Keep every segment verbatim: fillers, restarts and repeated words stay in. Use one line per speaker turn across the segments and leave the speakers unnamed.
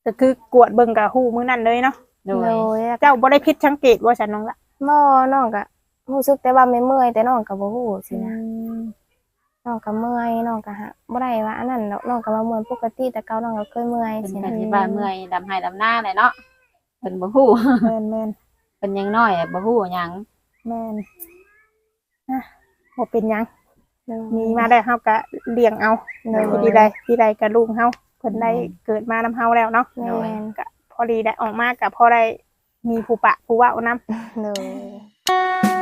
ก็คือกวดเบิ่งกับฮู้มื้อนั้นเลยเนาะ
โด
โด
ย
ย
เจ้าบ่ได้ผิดสังเกตว่าฉันน้องละ
บ่น้องก็รู้สึกแต่ว่าไม่เมื่อยแต่น้องก็บ่ฮู้สินะน้องก็เมื่อยน้องก็ฮะบ่ได้ว่าอันนั้นดอกน้องก็ว่าเมื่อยปกติแต่เก่าน้องก็เคยเมื่อย
เป็น
สิ
กั
นะ
นที่ว่าเมื่อยดำให้ดำหน้าเลยเนาะเป็นบ่ฮู้
แม่นแม่น
เป็นยังน้อยบ่ฮู้หยัง
แม่นอ่ะบ่เป็นหยัง
โดย
มีมาได้เฮาก็เลี้ยงเอา
โดย
ที่ใดที่ใดก็ลูกเฮาเพิ่นได้เกิดมานำเฮาแล้วเนาะ
แม่น
ก็พอดีได้ออกมาก็พอได้มีผู้ปะผู้เว้านำ
โดย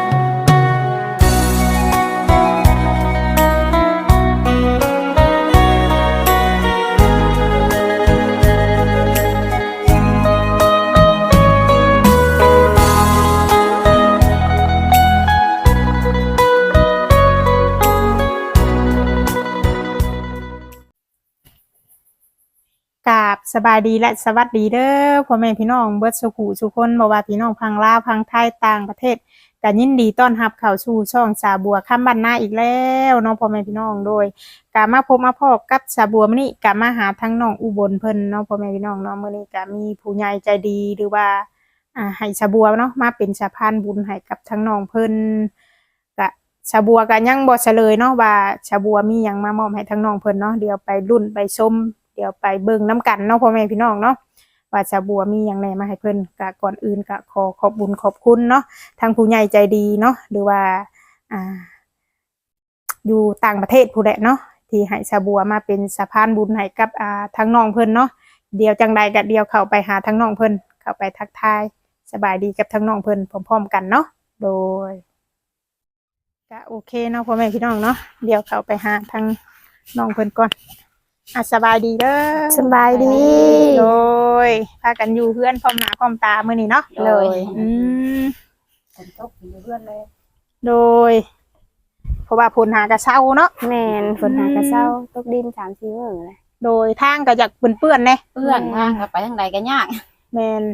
กราบสบายดีและสวัสดีเด้อพ่อแม่พี่น้องเบิดสุขุทุกคนบ่ว่าพี่น้องพังลาวพังไทยต่างประเทศก็ยินดีต้อนรับเข้าสู่ช่องสาบัวค่ำบ้านนาอีกแล้วเนาะพ่อแม่พี่น้องโดยก็มาพบมาพบกับสาบัวมื้อนี้ก็มาหาทั้งน้องอุบลเพิ่นเนาะพ่อแม่พี่น้องเนาะมื้อนี้ก็มีผู้ใหญ่ใจดีหรือว่าอ่าให้สาบัวเนาะมาเป็นสะพานบุญให้กับทั้งน้องเพิ่นก็สาบัวก็ยังบ่เฉลยเนาะว่าสาบัวมีหยังมามอบให้ทั้งน้องเพิ่นเนาะเดี๋ยวไปลุ้นไปชม เดี๋ยวไปเบิ่งน้ำกันเนาะพ่อแม่พี่น้องเนาะว่าชาบัวมีอย่างไรมาให้เพิ่นกะก่อนอื่นกะขอขอบบุญขอบคุณเนาะทางผู้ใหญ่ใจดีเนาะหรือว่าอ่าอยู่ต่างประเทศผู้ใดเนาะที่ให้ชาบัวมาเป็นสะพานบุญให้กับอ่าทางน้องเพิ่นเนาะเดี๋ยวจังใดกะเดียวเข้าไปหาทางน้องเพิ่นเข้าไปทักทายสบายดีกับทางน้องเพิ่นพร้อมๆกันเนาะโดยก็โอเคเนาะพ่อแม่พี่น้องเนาะเดี๋ยวเข้าไปหาทางน้องเพิ่นก่อนอ่ะสบายดีเด้อ
สบายดี
โดยพากันอยู่เพื่อนพร้อมหน้าพร้อมตามื้อนี้เนาะ
โดย
อืม
ฝนตกอยู่เพื่อนเลย
โดย เพราะว่าผลหากระเช้าเนาะ
แม่นฝนหากระเซ้าตกดินสามสี่มื้อเลย
โดยทางก็อยากเปื้อนๆแน่
เพื่อนทางก็ไปทางใดก็ยาก
แม่น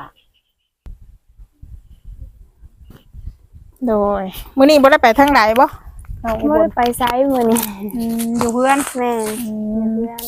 โดยมื้อนี้บ่ได้ไปทางไหนบ่น้องอุ
บ่
บล
ได้ไปไสมื้อนี้
อืมอยู่เพื่อน
แม่น
อื
อยู่
ม
เพื่อน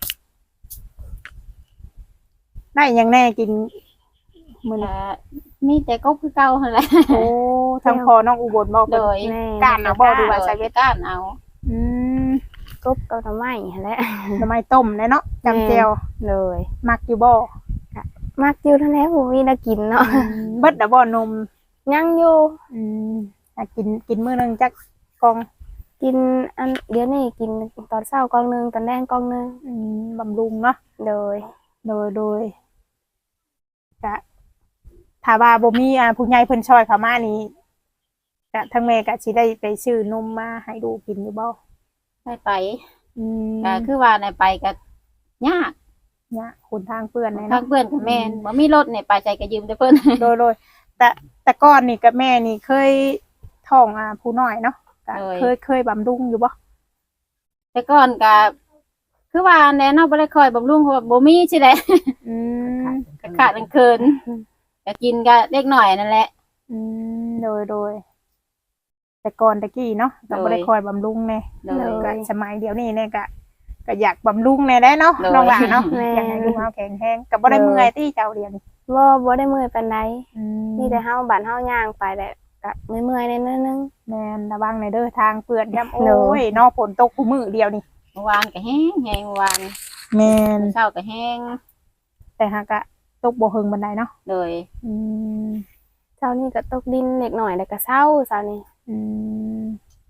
ได้หยังแน่กินมื้อนี้
ก็มีแต่กบคือเก่าหั่นแหละ
โอ้ทางพ่อน้องอุบลบ่
โด
เพิ่น
ย
แม่น
ก้านเอาบ่ดีว่า
ใส่เวทก้านเอา
อืม
กบกับหน่อไม้หั่นแหละ
ทำไมต้มแน่เนาะจำแจ่ว
เลย
มักอยู่บ่
มักอยู่เท่านั้นบ่มีน่ากินเนาะ
เบิดดะบ่นม
ยังอยู่
อืมอ่ะกินกินมื้อหนึงจักกล่อง
กินอันเดี๋ยวนี้กินตอนเช้ากล่องหนึงตอนแดงกล่องหนึง
อืมบำรุงเนาะ
โดย
โดยโดยกะถ้าว่าบ่มีอ่าผู้ใหญ่เพิ่นช่วยเข้ามานี่กะทั้งแม่กะสิได้ไปซื้อนมมาให้ลูกกินอยู่บ่
ได้ไป
อืม
ก็คือว่าได้ไปก็ยาก
เนี่ยคนทางเปื้อนเลย
ทา
เนาะ
งเพื่อนกับแม่นบ่มีรถเนี่ยไปใจก็ยืมแต่เพิ่น
โดยโดยแต่แต่ก่อนนี่กับแม่นี่เคยท้องอ่าผู้น้อยเนาะกะเคยเคยบำรุงอยู่บ่
แต่ก่อนก็คือว่าแน่เนาะบ่ได้คอยบำรุงเพราะว่าบ่มีสิแหละ
อืม
ก็ขาดกลางคืนก็กินก็เล็กน้อยนั่นแหละ
อืมโดยโดยแต่ก่อนตะกี้เนาะก็บ่ได้คอยบำรุงแน่
โดย
ก็สมัยเดี๋ยวนี้เนี่ยก็ก็อยากบำรุงแน่ได้เนาะ
โดย
น้องหลานเนาะ
แม่
อยากให้ลูกเฮาแข็งแรงก็บ่ได้เมื่อยที่เจ้าเรียน
บ่บ่ได้เมื่อยปานใด
อืม
มีแต่เฮาบ้านเฮาย่างไปแหละก็เมื่อยๆนิดนึง
แม่นระวังในอยเด้อทางเปื้อนย่ำโอ้
โด
ยเนาะฝนตกคู่มื้อเดียวนี่
เมื่อวานก็แห้งแห้งเมื่อวาน
แม่น
เช้าก็แห้ง
แต่หากก็ตกบ่เฮิงบันไดเนาะ
โดย
อืม
เช้านี้ก็ตกดินเล็กหน่อยแล้วก็เช้าเช้านี้
อืม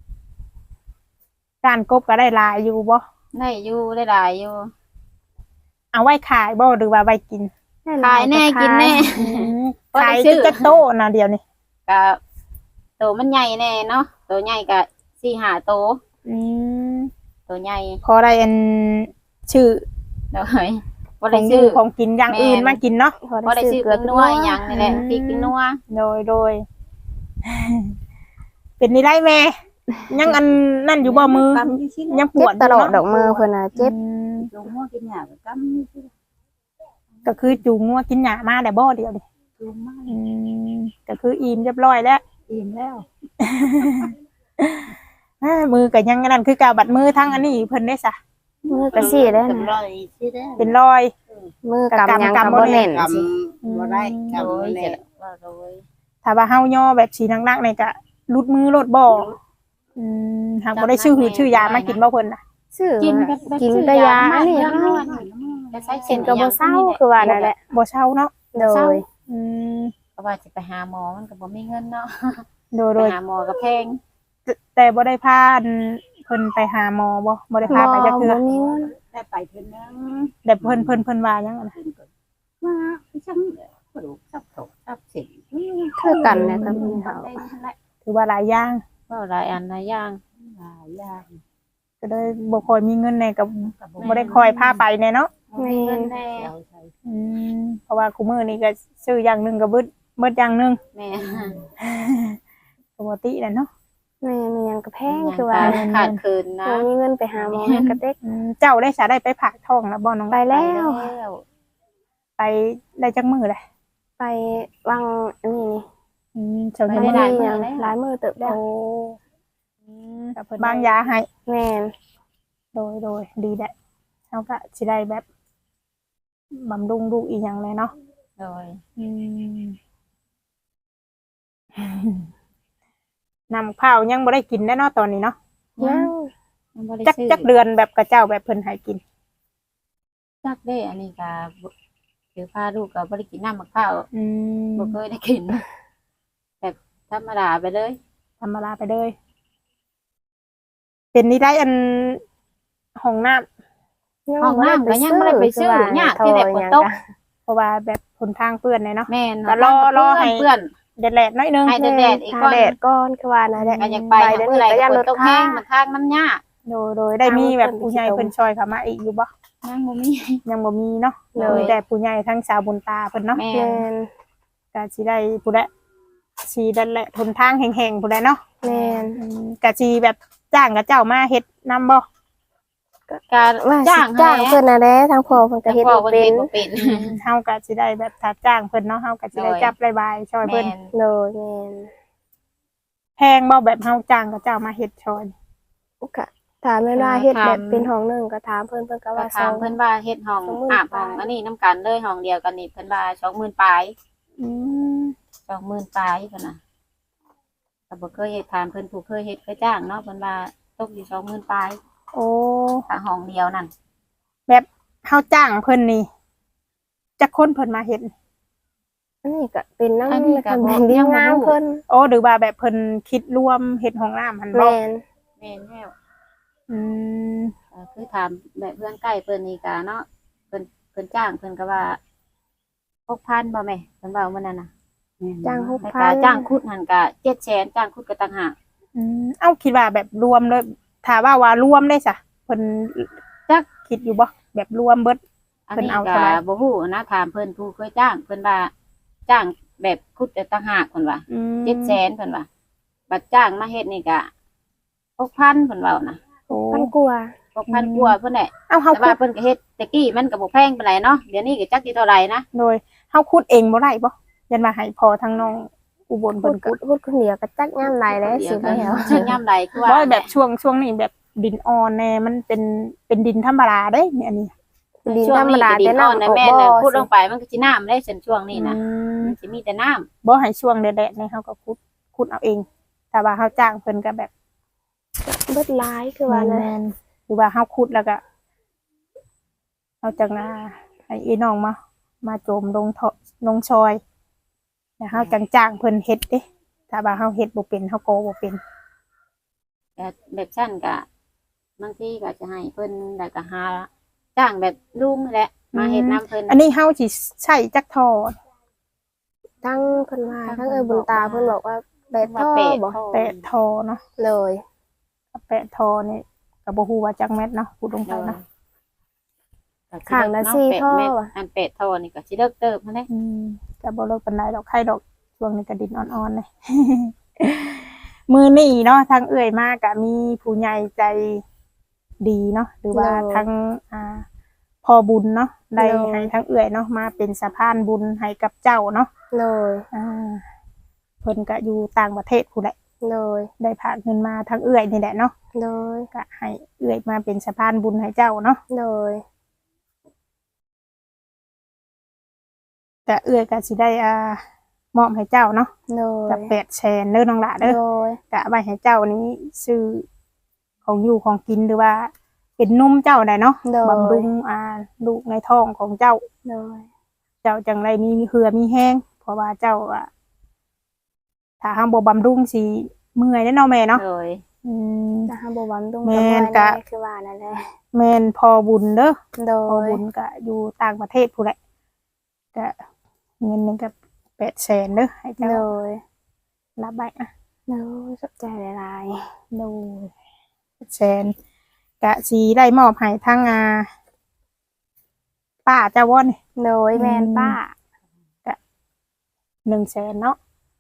การกบก็ได้หลายอยู่บ่
ได้อยู่ได้หลายอยู่
เอาไว้ขายบ่หรือว่าไว้กิน
ได้หล
ขายแน่
ก็
กินแน่
อืม
บ่ได้
ขาย
ซื้อ
จักโตนะเดียวนี่
ก็โตมันใหญ่แน่เนาะโตใหญ่ก็สี่ห้าโต
อืม
โตใหญ่
พอได้อันชื่อ
โดยบ่
ข
ได้
องอ
ซื้
ยู่
อ
ของกินอย่างอื่น
แม่น
มากินเนาะ
บ่ได้ซื้อ
เกลื
เป็
อน
นัวอหยังนี่แหละ
อืม
พริกเป็นนัว
โดยโดย เป็นนี่ได้แม่ยังอันนั่นอยู่บ่มือ ยังป
เจ็
ว
บ
ด
ตลอด
ยู่
ดอกมือเพิ่นน่ะเจ็บ
อืม
ลงหัวกินหยาก็กำนี่สิ
ก็คือจูงงัวกินหญ้ามาได้บ่เดียวนี่
จูงมาก
อืมก็คืออิ่มเรียบร้อยแล้ว
อิ่มแล้ว
อ่ามือก็ยังอันนั่นคือการบัดมือทั้งอันนี้เพิ่นได้ซะ
มือก็สิได้
เป็น
นะ
รอยสิได้
เป็นรอย
มือกำหยัง
กำ
ก็
กำบ่
บ่
แน่
แน่
น
น
ก
สิ
ำบ่ได้กำ
โด
บ่
ย
แน่
จะว่าโดย
ถ้าว่าเฮาย่อแบบสีนักๆนี่ก็หลุดมือหลุดบ่อืมหากบ่ได้ชื่อหือชื่อยามากินบ่เพิ่นน่ะ
ซื้อ
กิน
มา
แบบแบบ
กิน
ซื้อ
แต่ยาอันนี้
ยา
เฮา
จะใช้
กิ
เส้
น
น
ก็บ่เศร้าคือว่านั่นแหละ
บ่เช่าเนาะ
โดย
อืม
เพราะว่าสิไปหาหมอมันก็บ่มีเงินเนาะ
โดย
ไป
โดย
หาหมอก็แพง
แต่บ่ได้พาอันเพิ่นไปหาหมอบ่บ่ได้พาไปจักเทื่อ
บ่มีเงิน
ได้ไปเพิ่นนึง
แต่เพิ่นเพิ่นเพิ่นว่าหยังอะนะ
เพิ่นก็มาจังกระดูกทับตกทับเส้น
คือกันแหละกับพี่เฮา
ถือว่าหลายอย่าง
ก็หลายอันหลายอย่าง
หลายอย่าง
ก็เลยบ่ค่อยมีเงินแน่ก็บ่ได้คอยพาไปแน่เนาะ
บ่มีเงินแน่
เดี๋ยวใส่
อืมเพราะว่าคุมื้อนี้ก็ซื้ออย่างหนึงก็เบิดเบิดอย่างหนึง
แม่
ปกติแหละเนาะ
แม่มีหยังก็แพงคือว่า
ขาดขาดคืนนะ
บ่มีเงินไปหาหมอให้กระเต็ก
อืมเจ้าได้สาได้ไปผากท้องแล้วบ่น้อง
ไปแล้ว
แล้ว
ไปได้จักมื้อเลย
ไปวังอันนี้นี่
อืมเจ้า
ไป
ยัง
ได้
บ่
ห
ได้
ลายมื้อ
ยัง
แล้ว
หลายมือเติบแล้ว
โอ้อืมก็เพิ่นบางยาให้
แม่น
โดยโดยดีแหละเฮาก็สิได้แบบบำรุงลูกอีหยังเลยเนาะ
โดย
อืม นำข้าวยังบ่ได้กินแน่เนาะตอนนี้เนาะ
ยัง
ยังบ่ได้
จัก
ซื้อ
จักเดือนแบบกระเจ้าแบบเพิ่นให้กิน
จักเด้อันนี้ก็บ่คือพาลูกก็บ่ได้กินน้ำมะพร้าว
อืม
บ่เคยได้กิน แบบธรรมดาไปเลย
ธรรมดาไปเลย เป็นนี่ได้อันห้องน้ำ
ห้องน้ำก็ยังบ่ได้ไปซื้อยากที่ได้ฝนตก
เพราะว่าแบบผนทางเปื้อนเลยเนาะ
แม่น
ก็รอรอให้
เพื่อน
แดดๆหน้อยนึง
ให้ แดดอีกก่อน
แดดก่อนคือว่านั่นแหละ
ก็อยากไป
เดี๋ยว
เมื่
นี้
อไหร่
ก็
ก็
ยัน
ฝ
ร
น
ถ
ตก
ทา
แห้ง
ง
มันทางมันยาก
โดยโดยได้มีแบบ
ทาง
ผู้ใหญ่
เพิ่
เพิ่
น
นช่วยเข้ามาอีกอยู่บ่
ยังบ่มี
ยังบ่มีเนาะ
เลย
มีแต่ผู้ใหญ่ทั้งสาวบุญตาเพิ่นเนาะ
แม่
แม่น
ก็สิได้ผู้ใดสิดันแหละทนทางแห่งๆผู้ใดเนาะ
แม่น
อืมก็สิแบบจ้างกับเจ้ามาเฮ็ดนำบ่
การ
ว่า
จ้าง
สิจ้างเพิ่นน่ะแหละทางพ่อเพิ่นก็เฮ็ด
พ่อ
บ่
เพิ่น
เป็
เฮ็
น
ดบ่เป็น
เฮาก็สิได้แบบถ้าจ้างเพิ่นเนาะเฮาก็สิได้
โดย
จับรายบายช่วย
แม่
เพิ่น
น
โดยแม่น
แพงบ่แบบเฮาจ้างกับเจ้ามาเฮ็ดช่วย
ก็ถามแม่นว่าเฮ็ดแบบเป็นห้องหนึงก็ถามเพิ่นเพิ่นก็
ก็
ว่า
ถามเพิ่นว่าเฮ็ดห้อง
สองหมื่น
อาบห้อง
ปลาย
อันนี้น้ำกันเลยห้องเดียวกันนี่เพิ่นว่าสองหมื่นปลาย
อืม
สองหมื่นปลายเพิ่นน่ะก็บ่เคยเฮ็ดถามเพิ่นผู้เคยเฮ็ดเคยจ้างเนาะเพิ่นว่าตกอยู่สองหมื่นปลาย
โอ้
ถ้าห้องเดียวนั่น
แบบเฮาจ้างเพิ่นนี่จักคนเพิ่นมาเฮ็ด
อันนี้ก็เป็นนำ
อันนี้ก็
เพิ่น
บ่
เป็นดี
ยังบ่
งาม
รู้
เพิ่น
โอ้หรือว่าแบบเพิ่นคิดรวมเฮ็ดห้องน้ำหั่นบ่
แม่น
แม่นแล้ว
อืม
ก็คือถามแบบเพื่อนใกล้เพิ่นนี่ก็เนาะเพิ่นเพิ่นจ้างเพิ่นก็ว่าหกพันบ่แม่เพิ่นเว้ามื้อนั้นน่ะ
จ้าง
แล้วก็
หกพัน
จ้างคุดหั่นก็เจ็ดแสนจ้างคุดก็ต่างหาก
อืมเอ้าคิดว่าแบบรวมเลยถ้าว่าว่ารวมได้ซะเพิ่น
จัก
คิดอยู่บ่แบบรวมเบิด
อัน
เพิ่น
นี้
เอา
ก็
เท่าไหร่
บ่ฮู้นะถามเพิ่นผู้เคยจ้างเพิ่นว่าจ้างแบบคุดแต่ต่างหากเพิ่นว่า
อืม
เจ็ดแสนเพิ่นว่าบัดจ้างมาเฮ็ดนี่ก็หกพันเพิ่นเว้านะ
โอ้
พันกว่า
หกพันกว่าเพิ่นแหละ
เอ้าเฮา
แต่
คุ
ว่า
ด
เพิ่นก็เฮ็ดแต่กี้มันก็บ่แพงปานใดเนาะเดี๋ยวนี้ก็จักสิเท่าไหร่นะ
โดยเฮาคุดเองบ่ได้บ่ยันว่าให้พอทางน้องอุบล
พู
เพิ่
ด
นคุด
พูดคนเดียวก็จักยามหลายแล้ว
เดี๋
สิ
ยว
ไป
ก็
แล้ว
เชิงยามใดคือว่า
บ่แบบช่วงช่วงนี้แบบดินอ่อนแน่มันเป็นเป็นดินธรรมดาเด้เนี่ยอันนี้
ดิน
ช่ว
ธรง รม
นี้
ดา
ก็ดิ
แต่
นอ่อน
น้ำ
นะ
ออก
แม่
บ่
น่ะพูดล
สิ
งไปมันก็สิน้ำได้เส้นช่วงนี้นะ
อืม
มันสิมีแต่น้ำ
บ่ให้ช่วงแดดๆนี่เฮาก็คุดคุดเอาเองถ้าว่าเฮาจ้างเพิ่นก็แบบ
เบิดหลายคือว่านะ
แม่นๆหรือว่าเฮาคุดแล้วก็เอาจังอ่าให้อีน้องมามาโจมลงท่อลงซอยแล้วเฮาจังจ้างเพิ่นเฮ็ดเด้ถ้าว่าเฮาเฮ็ดบ่เป็นเฮาโกบ่เป็น
แต่แบบชั้นก็บางทีก็จะให้เพิ่นแล้วก็หาจ้างแบบลุงนี่แหละมาเฮ็ดน้ำเพิ่น
อันนี้เฮาสิใช้จักท่อ
ทั้งเพิ่นว่า
ทั้
ทั้
ง
ง
เพิ่
เอ้
น
ยบุญตา
บอกว่า
เพิ่นบอกว่าแปดท่อ
ว่าแปด
บ่
ท่อ
แปดท่อเนาะ
เลย
แปดท่อนี่ก็บ่ฮู้ว่าจักแม่นเนาะพูดตรงไปเนาะ
ข้างละ
เนาะ
สี่
แปด
ท่อ
เม็ด
ว่ะ
อันเป็ดท่อนี่ก็สิเลิกเติบมาได้
อืมก็บ่เลิกปานใดดอกไข่ดอกช่วงนี้ก็ดินอ่อนๆเลย มื้อนี้เนาะทางเอื้อยมาก็มีผู้ใหญ่ใจดีเนาะหรือว่าทางอ่าพอบุญเนาะได้ให้ทางเอื้อยเนาะมาเป็นสะพานบุญให้กับเจ้าเนาะ
เลย
อ่าเพิ่นก็อยู่ต่างประเทศพู้นแหละ
โดย
ได้ฝากเงินมาทางเอื้อยนี่แหละเนาะ
โดย
ก็ให้เอื้อยมาเป็นสะพานบุญให้เจ้าเนาะ
โดย
แต่เอื้อยก็สิได้อ่ามอบให้เจ้าเนาะ
โดย
กับแปดแสนเด้อน้องหละเด้อ
โดย
กะไว้ให้เจ้านี้ซื้อของอยู่ของกินหรือว่าเป็นนุ่มเจ้าได้เนาะ
โดย
บำรุงอ่าลูกในท้องของเจ้า
โดย
เจ้าจังไรมีเหือมีแห้งเพราะว่าเจ้าอ่ะถ้าห้ามบ่บำรุงสิเมื่อยได้อเนาะแม่เนาะ
โดย
อืม
ถ้าหาบ่หวังตรง
แม่
กับ
น
แม่
กะ
คือว่านั่นแหละ
แม่นพอบุญเด้อ
โด
พอย บุญก็อยู่ต่างประเทศพู้นแหละก็เงินหนึงก็แปดแสนเด้อให้เจ้า
โดย
รับไว้อ่ะ
โดยสนใจหลาย
ดูแสนกะสีได้มอบให้ทั้งอาป้าเจ้าว่อน
ๆโดยแม่นป้า
หนึ่งแสนเนาะ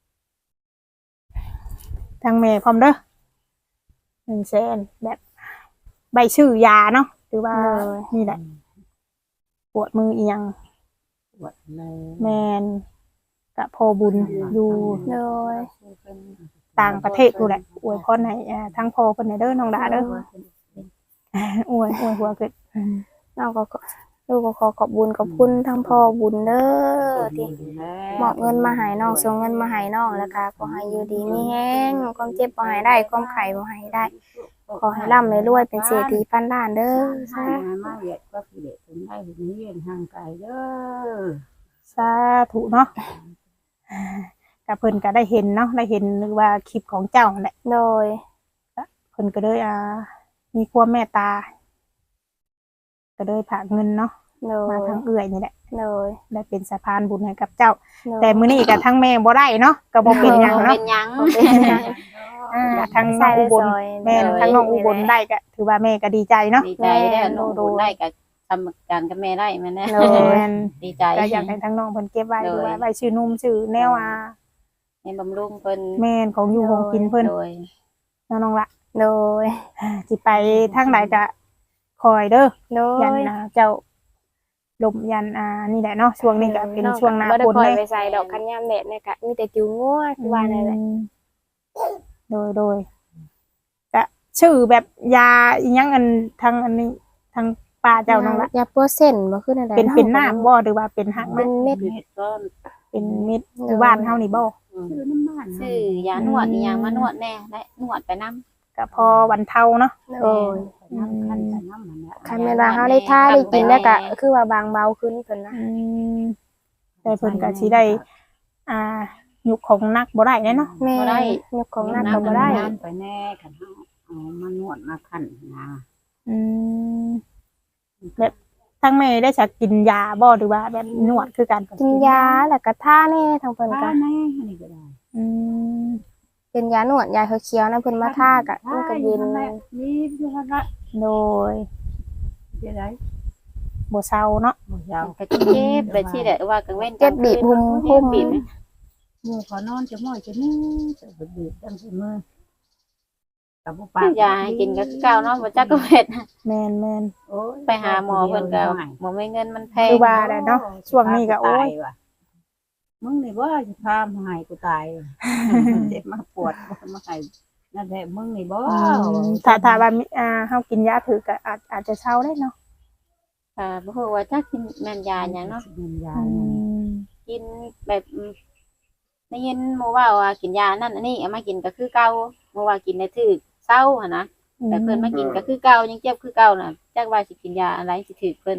ทางแม่พร้อมเด้อหนึ่งแสนแบบใบชื่อยาเนาะหรือว่า
เลย
นี่แหละ ปวดมือเอียง
ปวดเลย
แมนกะพอบุญอยู่
โดย
ต่างประเทศดูแหละอวยพรให้อ่าทั้งพอเพิ่นให้เด้อน้องดาเด้ออวยอวยหัวเกิด
น้องก็ขอลูกก็ขอขอบบุญขอบคุณทั้งพ่อบุญเด้อที่มอบเงินมาให้น้องส่งเงินมาให้น้องแล้วก็ขอให้อยู่ดีมีแฮงความเจ็บบ่ให้ได้ความไข้บ่ให้ได้ ขอให้ร่ำให้รวยเป็นเศรษฐีพันล้านเด้อ
ใช่
สา
มาเวียดก็คือเด็กถึงได้ถึงนี้เวียนห่างไกลเด้อ
สาธุเนาะกับเพิ่นก็ได้เห็นเนาะได้เห็นหรือว่าคลิปของเจ้าแหละ
โดย
เพิ่นก็เลยอ่ามีความเมตตา ก็เลยฝากเงินเนาะ
โด
มาย ทางเอื้อยนี่แหละ
โดย
ได้เป็นสะพานบุญให้กับเจ้า
โดย
แต่มื้อนี้ก็ทั้งแม่บ่ได้เนาะก็บ่เป็นหยัง
เป็
เนาะ
นหยัง
อ่าทางน้องอุบลแม่นทางน้องอุบลได้ก็ถือว่าแม่ก็ดีใจเนาะ
ดีใจได้น้องบุญได้กับทำการกับแม่ได้แม่แน่
โดย
แม่น
ดีใจ
ก็อยากให้ทางน้องเพิ่นเก็บไว้
โดย
หรือว่าไว้ชื่อนุ่มชื่อแนวอ่า
ให้บำรุงเพิ่น
แม่นของอยู่ของกินเพิ่น
โดย
น้องๆละ
โดย
สิไปทางใดก็คอยเด้อ
โด
ยั
ย
นอ่าเจ้าลมยันอ่านี่แหละเนาะช่วงนี้ก็เป็นช่วงหน้า
บ่ได้
ฝน
ปล่อย
เลย
ไปใส่ดอกคันยามแดดเนี่ยก็มีแต่จิ๋วงัวคือว่านั่นแหละ
อืมโดยโดยก็ชื่อแบบยาอีหยังอันทางอันนี้ทางป้าเจ้าน้องละ
ยาปัวเส้นบ่คือนั่นแหละ
เป็นเป็นน้ำบ่หรือว่าเป็นหัก
เป็
มัน
นเม็ด
เม็ดก้อน
เป็นเม็ดอยู่บ้านเฮานี่บ่
ชื่อน้ำบ้าน
ซื้อยานวดอีหยังมานวดแน่ได้นวดไปนำ
ก็พอวันเทาเนาะ
โดย
น้ำคันแต่น้ำมันเนี่ย
คันเวลาเฮาได้ทาได้กินแล้วก็คือว่าบางเบาขึ้นเพิ่นนะ
อืมแต่เพิ่นก็สิได้ อ่ายุคของนักบ่ได้แน่เนาะ
แม่ยกของหนักก็บ่ได้
น้ำไปแน่ขันเอาเอามานวดมาขันนะ
อืมแบบทั้งแม่ได้สักกินยาบ่หรือว่าแบบนวดคือกัน
กินยาแล้วก็ทาแน่ทางเพิ่นก็
ป้าแน่อันนี้ก็ได้
อืม
เป็นยานวดยาเขียวๆนะเพิ่นมาทาก็มันก็เย็น
นี่คือละ
โดย
เดี๋ยวได้
บ่เซาเนาะ
หมดยาว
ก็เจ็บแบบที่แหละว่ากลางเว้น
เจ็บบีบหุม
เจ็
หุ
บ
ม
บีบ
มือขอนอนจะม้อยจะนี่จะบีบตั้งแต่มือกับปา
ซื้อยาให้กินก็คือเก่าเนาะบ่จักก็เฮ็ด
แม่นแม่น
ไปหาหมอเพิ่นก็บ่มีเงินมันแพง
คือว่าแหละเนาะช่วงนี้ก็โอ้ย
มึงนี่ว่าจะพามาให้กูตายเจ็บมาปวดมาให้นั่นแหละมึงนี่บ่
ถ้าถ้าว่ามีอ่าเฮากินยาถือก็อาจอาจจะเซาได้เนาะ
ค่ะบ่ฮู้ว่าจักกินแม่นยาหยังเนาะ
กินยา
อืม
กินแบบอืมได้ยินหมู่ว่าว่ากินยานั่นอันนี้เอามากินก็คือเก่าหมู่ว่ากินได้ถึกเศร้าหั่นนะแต่เพิ่นมากินก็คือเก่ายังเจ็บคือเก่าน่ะจักว่าสิกินยาอะไรสิถึกเพิ่น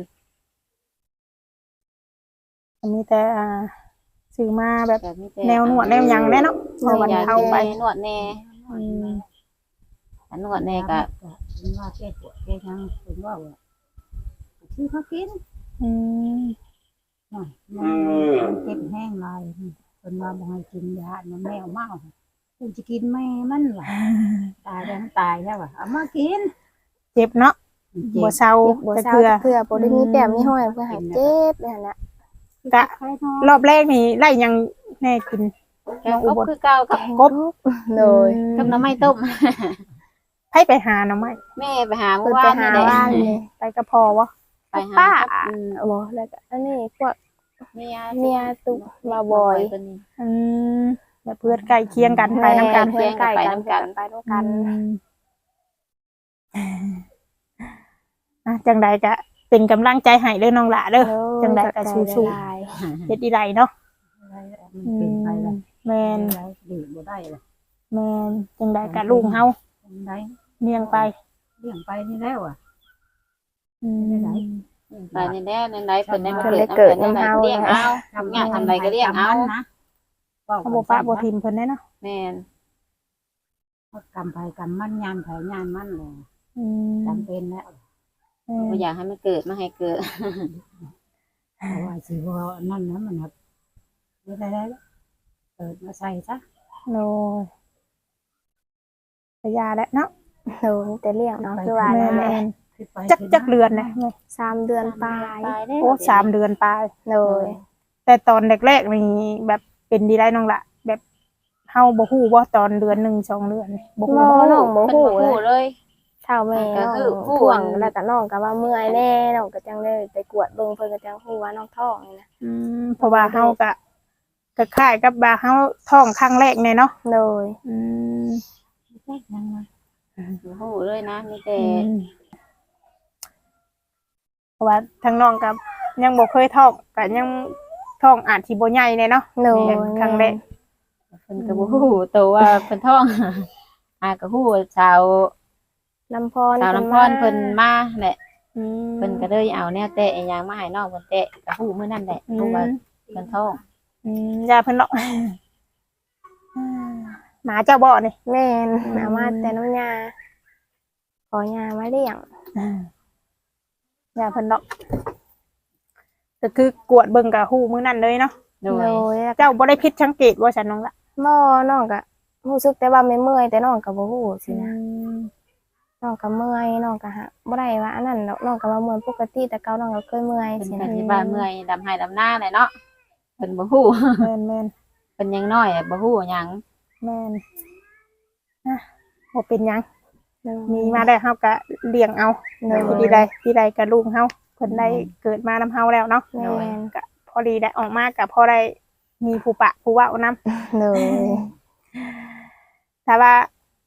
อันนี้แต่อ่าซื้อมาแบบ
ก็มีแต่
แนวนวดแนวหยังแน่เนาะพอวันเทาไป
นวดแน่
อืม
ถ้านวดแน่ก็
ว่าแก้ปวดแก้ทั้งเป็นว่าชื่อเขากิน
อืม
มันเจ็บแห้งลายเป็นว่าบ่ให้กินยามันแมวเมาคุณจะกินแม่มันล่ะตายแล้วตายแล้วอ่ะเอามากิน
เจ็บเนาะบ่เซา
บ่
แต่
เศร้า
เทื่อ
เพื่อบ่ได้มีแป้มมีห้อยเพื่อให้เจ็บนั่นน่ะ
กะ รอบแรกนี่ไล่ยังแน่กิน
แกงกบคือเก่ากับ
กบ
โดย
กับหน้ำไม้ต้ม
ให้ไปหาหน่อไม้
แม่ไปหา
เพิ่
เมื่
น
อ
ไป
วาน
หา
นี่แหละ
บ้านเลย
ไปกระพอวะ
ไปหา
ป้า
อืม
บ่แล้วก็อันนี้พวก
เมีย
เมียตุมาบ่อย
เพิ่นนี่
อืมแบบเพื่อนใกล้เคียงกันไปนํกัน
เพื่อนใกล้กันไปนำกัน
อืมอ่ะจังใดก็เป็นกำลังใจให้เด้อน้องหล่าเด้อจังใดก็สู้ๆเฮ็ดอีไรเนาะ
มันเป็นไปแล้ว
แม่น
ดีบ่ได้เลย
แม่นจังใดก็ลูกเฮา
ได้
เลี้ยงไป
เลี้ยงไปนี่แล้วอ่ะ
อืม
ไปนี่แน่ในไหนเพิ่นได้มา
เพิ่น
เกิด
ได้เกิด
นำ
นำเฮา
เลี้ยงเอาทำงานทำอะไรก็เลี้ยงเอา
นะ
เขาบ่ปะบ่ทิมเพิ่นได้เนาะ
แม่น
กำไปกำมันยามไผยามมันเลย
อืม
จำเป็นแล้ว
แม่
บ่
น
อยากให้มันเกิดมาให้เกิด
เพราะว่าสิว่านั่นนะมันครับไม่ได้แล้วเปิดมาใส่ซะ
โอ้ยก็ยาแล้วเนาะ
โดนแต่เลี้ยงเนาะคือว่า
แม่
นั่นแหละ
น
ขึ้นไป
ๆจักจักเดือนนะแม่
สามเดือนปลาย
ตายได้
โอ้สามเดือนปลาย
โดย
แต่ตอนแรกๆนี่แบบเป็นดีได้น้องละแบบเฮาบ่ฮู้ว่าตอนเดือนหนึ่งสองเดือนนี่บ่ฮู้
บ่น้องบ่
เพิ่น
ฮู้
บ่
เล
ฮู้
ย
เลย
เท่าแม่
ก็
น้อง
คือผู้
ท่ว
อั
ง
น
แล้วก็น้องก็ว่าเมื่อยแน่น้องก็จังได้ไปกวดเบิ่งเพิ่นก็จังฮู้ว่าน้องท้องนี่นะ
อืมเพราะว่าเฮาก็ก็คล้ายกับว่าเฮาท้องครั้งแรกแน่เนาะ
โดย
อืม
ยังไง
บ่ฮู้เลยนะมีแต่
อืมเพราะว่าทางน้องก็ยังบ่เคยท้องก็ยังท้องอาจสิบ่ใหญ่แน่เนาะ
โดย
เป็นครั้งแรก
เพิ่นก็บ่ฮู้ตัวว่าเพิ่นท้อง อาก็ฮู้ชาว
ลำพร
ชาวลำพรเพิ่นมาแหละ
อืม
เพิ่นก็เลยเอาแนวเตะอีหยังมาให้น้องเพิ่นเตะก็ฮู้มื้อนั้นแหละ
อื
ฮู้ว่าม เพิ่นท้อง
อืมยาเพิ่นเนาะหมาเจ้าบ่นี่
แม่น
อืม
เอามาแต่น้ำยาขอยามาเลี้ยง
ยาเพิ่นเนาะก็คือกวดเบิ่งกับฮู้มื้อนั้นเลยเนาะ
โด
โด
ย
ยแล้วก็
เจ้าบ่ได้ผิดสังเกตว่าฉันน้องละ
บ่น้องก็รู้สึกแต่ว่าไม่เมื่อยแต่น้องก็บ่ฮู้สินะน้องก็เมื่อยน้องก็หาบ่ได้ว่าอันนั้นดอกน้องก็ว่าเมื่อยปกติแต่เก่าน้องก็เคยเมื่อย
เพิ่น
สิ
ก็
นะ
สิว่าเมื่อยดำให้ดำหน้าแหละเนาะเพิ่นบ่ฮู้
แม่นแม่น
เพิ่นยังน้อยอะบ่ฮู้หยัง
แม่นอ่ะบ่เป็นหยัง
โดย
มีมาได้เฮาก็เลี้ยงเอา
โดย
ที่ใดที่ใดก็ลูกเฮาเพิ่นได้เกิดมานำเฮาแล้วเนาะ
แม่น
ก็พอดีได้ออกมาก็พอได้มีผู้ปะผู้เว้านํ
โดย
ถ้าว่า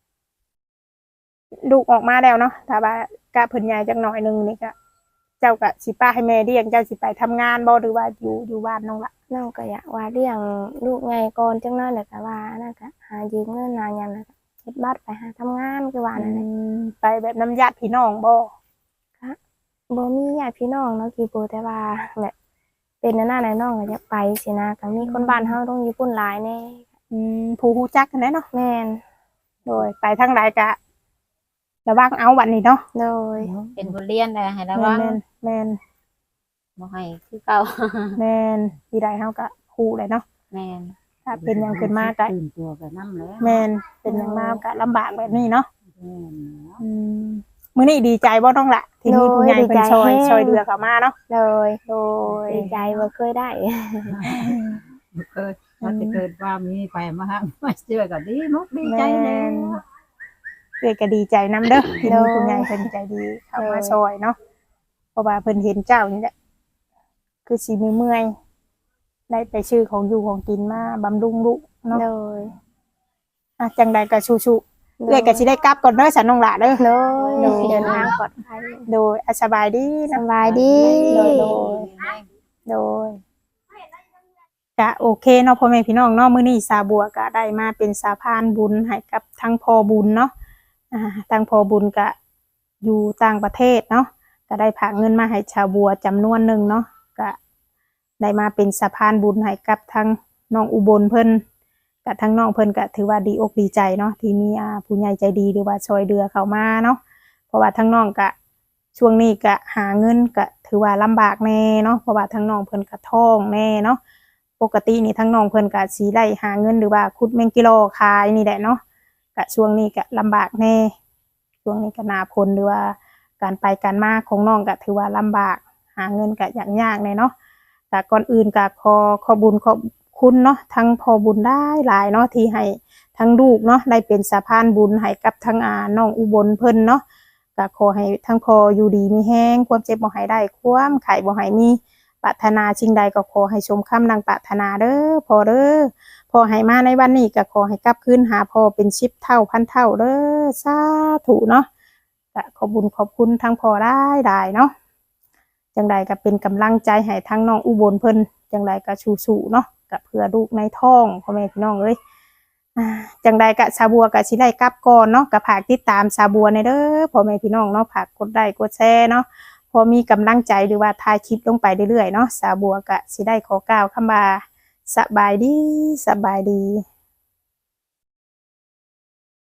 ลูกออกมาแล้วเนาะถ้าว่ากะเพิ่นใหญ่จักหน่อยหนึงนี่ก็เจ้าก็สิป้าให้แม่เลี้ยงเจ้าสิไปทำงานบ่หรือว่าอยู่อยู่บ้านน้องละ
น้องก็อยากว่าเลี้ยงลูกไงก่อนจังนั้นแหละก็ว่านั่นก็หายืมเงินหาหยังแล้วก็เฮ็ดบัตรไปหาทำงานคือว่านั่นแหละ
ไปแบบน้ำญาติพี่น้องบ่
บ่มีญาติพี่น้องเนาะกี่โปแต่ว่าแบบเป็นหน้าไหนน้องก็อยากไปสินะก็มีคนบ้านเฮาต้องญี่ปุ่นหลายแน่
อืมผู้ฮู้จักกันแหละเนาะ
แม่น
โดยไปทางใดก็ระวังเอาบัดนี้เนาะ
โดย
เป็นบทเรียนได้ให้ระวัง
แม่นแม่น
บ่ให้คือเก่า
แม่นที่ใดเฮาก็ฮู้เลยเนาะ
แม่น
ถ้าเป็นหยังขึ้นมาก็
ตื่นตัวกับน้ำแล้ว
แม่นเป็นหยังมาก็ลำบากแบบนี้เนาะ
แม่นแล้ว
อืมมื้อนี้ดีใจบ่น้องละที่มีผู้ใหญ่เพิ่นช่วยช่วยเหลือเข้ามาเนาะ
โดย
โดย
ดีใจบ่เคยได้
บ่เคยว่าจะเกิดว่ามีไปมาฮะมาเจอก็ดีมุกดีใจแล้ว
เอ้ยก็ดีใจนํเด้อที่มีผู้ใหญ่เพิ่นใจดีเข้ามาช่วยเนาะเพราะว่าเพิ่นเห็นเจ้านี่แหละคือสิมีเมื่อยได้ไปชื่อของอยู่ของกินมาบำรุงลูกเนาะ
โดย
อ่ะจังใดก็ชูๆเอ้ยก็สิได้กลับก่อนเด้อสันน้องหล่ะเด้อ
โดย
โดย
เดินทางปลอดภัย
โดยอ่ะสบายดี
ส
นะ
บายดี
โดยโดย โดยก็โอเคเนาะพ่อแม่พี่น้องเนาะมื้อนี้สาบัวก็ได้มาเป็นสาพานบุญให้กับทางพ่อบุญเนาะอ่าทางพ่อบุญก็อยู่ต่างประเทศเนาะก็ได้ฝากเงินมาให้ชาวบัวจำนวนหนึ่งเนาะก็ได้มาเป็นสะพานบุญให้กับทางน้องอุบลเพิ่นกับทางน้องเพิ่นก็ถือว่าดีอกดีใจเนาะที่มีอ่าผู้ใหญ่ใจดีหรือว่าช่วยเหลือเข้ามาเนาะเพราะว่าทางน้องก็ช่วงนี้ก็หาเงินก็ถือว่าลำบากแน่เนาะเพราะว่าทางน้องเพิ่นก็ท้องแน่เนาะปกตินี่ทางน้องเพิ่นก็สิได้หาเงินหรือว่าขุดแมงกิโลขายนี่แหละเนาะก็ช่วงนี้ก็ลำบากแน่ช่วงนี้ก็หน้าฝนหรือว่าการไปการมาของน้องก็ถือว่าลำบากหาเงินก็ยากๆแน่เนาะแต่ก่อนอื่นก็ขอขอบุญขอบคุณเนาะทั้งพอบุญได้หลายเนาะที่ให้ทั้งลูกเนาะได้เป็นสะพานบุญให้กับทั้งอาน้องอุบลเพิ่นเนาะก็ขอให้ทั้งพออยู่ดีมีแห้งความเจ็บบ่ให้ได้ความไข้บ่ให้มีปรารถนาสิ่งใดก็ขอให้สมคำดังปรารถนาเด้อพ่อเด้อพ่อให้มาในวันนี้ก็ขอให้กลับคืนหาพ่อเป็นสิบเท่าพันเท่าเด้อสาธุเนาะก็ขอบุญขอบคุณทั้งพ่อได้ได้เนาะจังใดก็เป็นกำลังใจให้ทั้งน้องอุบลเพิ่นจังใดก็สู้ๆเนาะก็เพื่อลูกในท้องพ่อแม่พี่น้องเอ้ยอ่าจังใดก็สาบัวก็สิได้กลับก่อนเนาะก็ฝากติดตามสาบัวในเด้อพ่อแม่พี่น้องเนาะฝากกดไลค์กดแชร์เนาะพอมีกำลังใจหรือว่าถ่ายคลิปลงไปเรื่อยๆเนาะสาบัวก็สิได้ขอกล่าวคำว่าสบายดีสบายดี